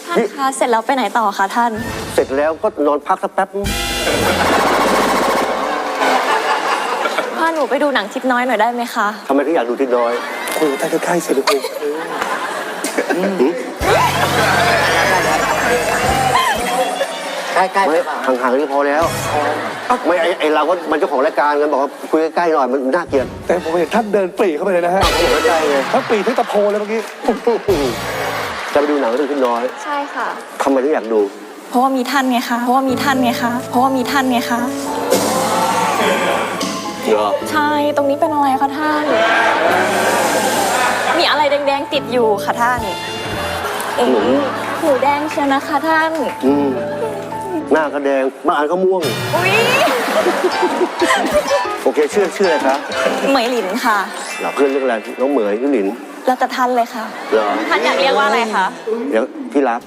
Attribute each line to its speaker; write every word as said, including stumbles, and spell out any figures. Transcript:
Speaker 1: ท่านคะเสร็จแล้วไปไหนต่อคะท่าน
Speaker 2: เสร็จแล้วก็นอนพักสักแป๊บ
Speaker 1: พาหนูไปดูหนังทิศน้อยหน่อยได้ไหมคะ
Speaker 2: ทำไมถึงอยากดูทิศน้อยคุยใกล้ๆเสร็จแล้วคุยใกล้ๆไม่ห่างๆนี่พอแล้วไม่ไอไอเราก็มันเจ้าของรายการกันบอกว่าคุยใกล้ๆหน่อยมันน่าเกลียด
Speaker 3: แต่ผมเห็นท่านเดินปรีเข้าไปเลยนะฮะ
Speaker 2: เขาบอกใกล้ๆไง
Speaker 3: ท่านปรีที่ตะโพเลยเมื่อกี้
Speaker 2: จะไปดูหนังเรื่องทิศน้อย
Speaker 1: ใช่ค่ะ
Speaker 2: ทำไมถึงอยากดู
Speaker 1: เพราะว่ามีท่านไงคะ เพราะว่ามีท่านไงคะ เพราะว่ามีท่านไงคะ
Speaker 2: เหรอ
Speaker 1: ใช่ ตรงนี้เป็นอะไรคะท่าน มีอะไรแดงๆติดอยู่ค่ะท่านเอ๋หนูแดงเชียวนะคะท่าน
Speaker 2: อืมหน้าก็แดงบางอันก็ม่วง
Speaker 1: อุ๊ย
Speaker 2: โอเคชื่อชื่ออะไรคะ
Speaker 1: เหมยหลินค่ะ
Speaker 2: หลับเพื่อนเรื่องอะไรน้องเหมยพี่หลิน
Speaker 1: แล้วแต่ท่านเลยค่ะ
Speaker 2: เหรอ
Speaker 1: ท่านอยากเรียกว่าอะไรคะ
Speaker 2: เดี๋ยวพี่รัก